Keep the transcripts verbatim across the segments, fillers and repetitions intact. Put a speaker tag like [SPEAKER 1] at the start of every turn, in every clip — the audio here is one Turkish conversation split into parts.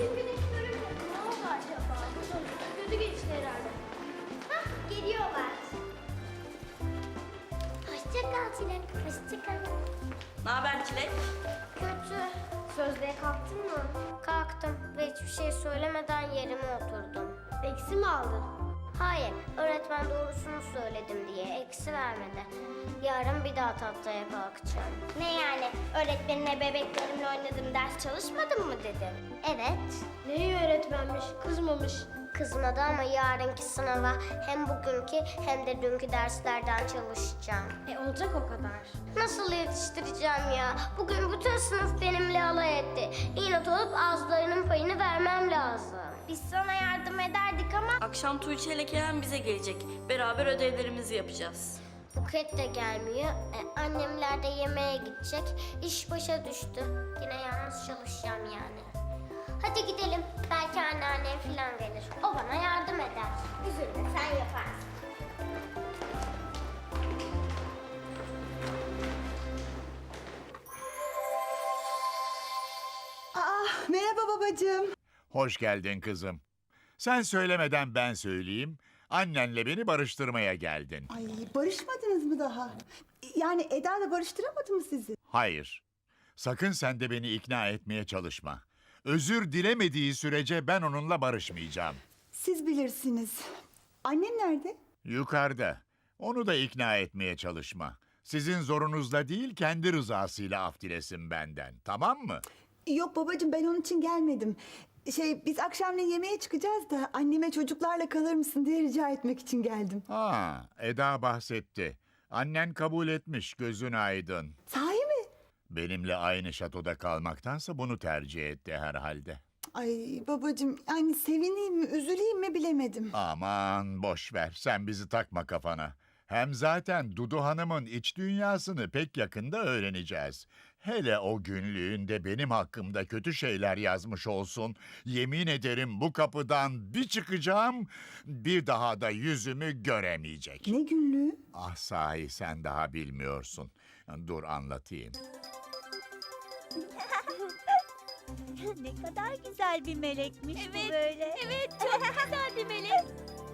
[SPEAKER 1] Bugün güneş görünce ne oldu acaba? Gözü geçti herhalde. Hah, geliyorlar. Hoşça kal Çilek, hoşça kal.
[SPEAKER 2] Ne haber Çilek?
[SPEAKER 1] Kötü. Sözlüğe kalktın mı? Kalktım ve hiçbir şey söylemeden yerime oturdum. Eksi mi aldın? Hayır, öğretmen doğrusunu söyledim diye eksi vermedi. Yarın bir daha tahtaya kalkacağım. Ne yani? Öğretmenine bebeklerimle oynadım, ders çalışmadın mı dedim. Evet. Neyi öğretmenmiş? Kızmamış. Kızmadı ama yarınki sınava hem bugünkü hem de dünkü derslerden çalışacağım. E olacak o kadar. Nasıl yetiştireceğim ya? Bugün bütün sınıf benimle alay etti. İnat olup ağızlarının payını vermem lazım. Biz sana yardım ederdik ama...
[SPEAKER 2] Akşam Tuğçe ile Kerem bize gelecek. Beraber ödevlerimizi yapacağız.
[SPEAKER 1] Buket de gelmiyor. E, annemler de yemeğe gidecek. İş başa düştü. Yine yalnız çalışacağım yani. Hadi gidelim. Belki anneannem falan gelir. O bana yardım eder. Üzülme, sen yaparsın.
[SPEAKER 3] Aa, merhaba babacığım.
[SPEAKER 4] Hoş geldin kızım. Sen söylemeden ben söyleyeyim. Annenle beni barıştırmaya geldin.
[SPEAKER 3] Ay, barışmadınız mı daha? Yani Eda'la barıştıramadı mı sizi?
[SPEAKER 4] Hayır. Sakın sen de beni ikna etmeye çalışma. Özür dilemediği sürece ben onunla barışmayacağım.
[SPEAKER 3] Siz bilirsiniz. Annem nerede?
[SPEAKER 4] Yukarıda. Onu da ikna etmeye çalışma. Sizin zorunuzla değil, kendi rızasıyla af dilesin benden. Tamam mı?
[SPEAKER 3] Yok babacığım, ben onun için gelmedim. Şey, biz akşamleyin yemeğe çıkacağız da anneme çocuklarla kalır mısın diye rica etmek için geldim.
[SPEAKER 4] Ha, Eda bahsetti. Annen kabul etmiş, gözün aydın.
[SPEAKER 3] Sahi mi?
[SPEAKER 4] Benimle aynı şatoda kalmaktansa bunu tercih etti herhalde.
[SPEAKER 3] Ay babacığım, yani sevineyim mi, üzüleyim mi bilemedim.
[SPEAKER 4] Aman boş ver, sen bizi takma kafana. Hem zaten Dudu Hanım'ın iç dünyasını pek yakında öğreneceğiz. Hele o günlüğünde benim hakkımda kötü şeyler yazmış olsun. Yemin ederim bu kapıdan bir çıkacağım, bir daha da yüzümü göremeyecek.
[SPEAKER 3] Ne günlüğü?
[SPEAKER 4] Ah sahi sen daha bilmiyorsun. Dur anlatayım.
[SPEAKER 5] Ne kadar güzel bir melekmiş
[SPEAKER 6] Evet,
[SPEAKER 5] bu böyle.
[SPEAKER 6] Evet, çok güzel bir melek.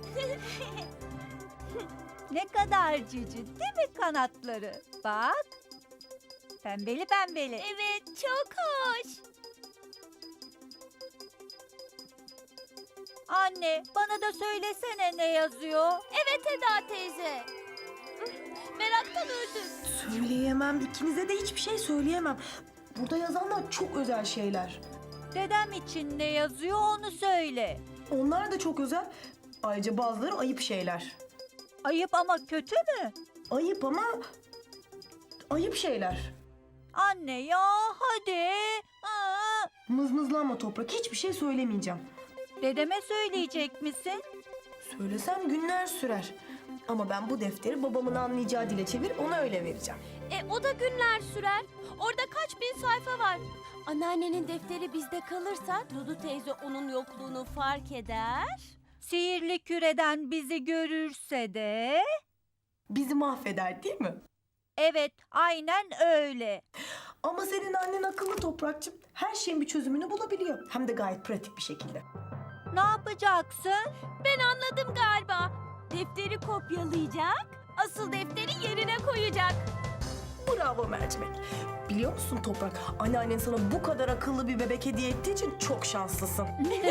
[SPEAKER 5] Ne kadar cici değil mi kanatları? Bak. Pembeli pembeli.
[SPEAKER 6] Evet, çok hoş.
[SPEAKER 5] Anne bana da söylesene ne yazıyor?
[SPEAKER 6] Evet Eda teyze. Meraktan öldüm.
[SPEAKER 7] Söyleyemem. İkinize de hiçbir şey söyleyemem. Burada yazanlar çok özel şeyler.
[SPEAKER 5] Dedem için ne yazıyor onu söyle.
[SPEAKER 7] Onlar da çok özel. Ayrıca bazıları ayıp şeyler.
[SPEAKER 5] Ayıp ama kötü mü?
[SPEAKER 7] Ayıp ama ayıp şeyler.
[SPEAKER 5] Anne ya hadi. Aa,
[SPEAKER 7] Mızmızlanma Toprak. Hiçbir şey söylemeyeceğim.
[SPEAKER 5] dedeme söyleyecek misin?
[SPEAKER 7] Söylesem günler sürer. Ama ben bu defteri babamın anlayacağı dile çevirip ona öyle vereceğim.
[SPEAKER 6] E o da günler sürer. Orada kaç bin sayfa var. Anneannenin defteri bizde kalırsa Dudu teyze onun yokluğunu fark eder.
[SPEAKER 5] Sihirli küreden bizi görürse de...
[SPEAKER 7] Bizi mahveder değil mi?
[SPEAKER 5] Evet, aynen öyle.
[SPEAKER 7] Ama senin annen akıllı Toprakçım. Her şeyin bir çözümünü bulabiliyor. Hem de gayet pratik bir şekilde.
[SPEAKER 5] Ne yapacaksın?
[SPEAKER 6] Ben anladım galiba. Defteri kopyalayacak, asıl defteri yerine koyacak.
[SPEAKER 7] Bravo Mercimek. Biliyor musun Toprak? Anneannen sana bu kadar akıllı bir bebek hediye ettiği için çok şanslısın.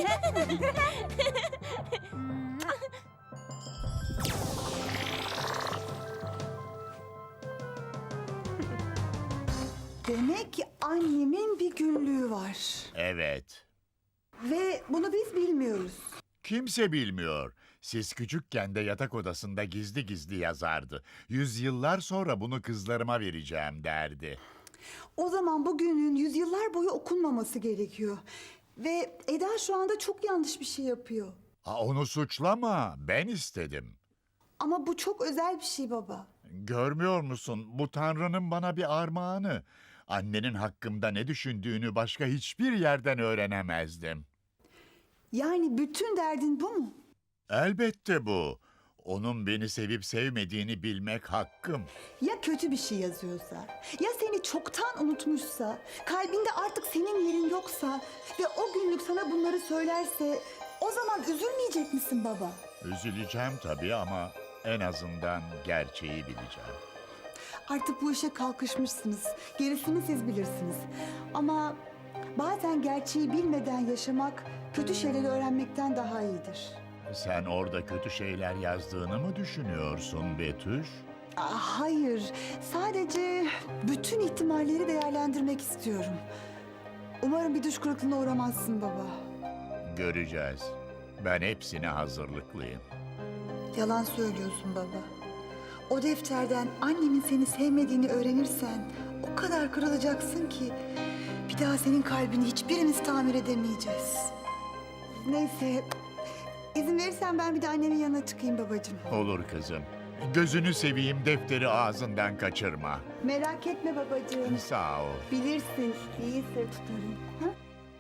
[SPEAKER 3] Demek ki annemin bir günlüğü var.
[SPEAKER 4] Evet.
[SPEAKER 3] Ve bunu biz bilmiyoruz.
[SPEAKER 4] Kimse bilmiyor. Siz küçükken de yatak odasında gizli gizli yazardı. Yüzyıllar sonra bunu kızlarıma vereceğim derdi.
[SPEAKER 3] O zaman bu günlüğün yüzyıllar boyu okunmaması gerekiyor. Ve Eda şu anda çok yanlış bir şey yapıyor.
[SPEAKER 4] Aa, onu suçlama, ben istedim.
[SPEAKER 3] Ama bu çok özel bir şey baba.
[SPEAKER 4] Görmüyor musun? Bu Tanrı'nın bana bir armağanı. Annenin hakkımda ne düşündüğünü başka hiçbir yerden öğrenemezdim.
[SPEAKER 3] Yani bütün derdin bu mu?
[SPEAKER 4] Elbette bu. Onun beni sevip sevmediğini bilmek hakkım.
[SPEAKER 3] Ya kötü bir şey yazıyorsa, ya seni çoktan unutmuşsa, kalbinde artık senin yerin yoksa ve o günlük sana bunları söylerse o zaman üzülmeyecek misin baba?
[SPEAKER 4] Üzüleceğim tabii ama en azından gerçeği bileceğim.
[SPEAKER 3] Artık bu işe kalkışmışsınız. Gerisini siz bilirsiniz. Ama bazen gerçeği bilmeden yaşamak kötü şeyleri öğrenmekten daha iyidir.
[SPEAKER 4] Sen orada kötü şeyler yazdığını mı düşünüyorsun Betüş?
[SPEAKER 3] Aa, hayır, sadece bütün ihtimalleri değerlendirmek istiyorum. Umarım bir düş kırıklığına uğramazsın baba.
[SPEAKER 4] Göreceğiz. Ben hepsine hazırlıklıyım.
[SPEAKER 3] Yalan söylüyorsun baba. O defterden annemin seni sevmediğini öğrenirsen o kadar kırılacaksın ki bir daha senin kalbini hiçbirimiz tamir edemeyeceğiz. Neyse, izin verirsen ben bir de annemin yanına çıkayım babacığım.
[SPEAKER 4] Olur kızım. Gözünü seveyim, defteri ağzından kaçırma.
[SPEAKER 3] Merak etme babacığım.
[SPEAKER 4] Sağ ol.
[SPEAKER 3] Bilirsin, iyi sır tutarım. Ha?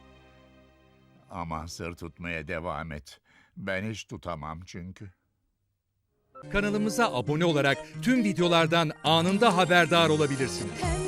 [SPEAKER 4] Ama sır tutmaya devam et. Ben hiç tutamam çünkü.
[SPEAKER 8] Kanalımıza abone olarak tüm videolardan anında haberdar olabilirsiniz.
[SPEAKER 9] Pembe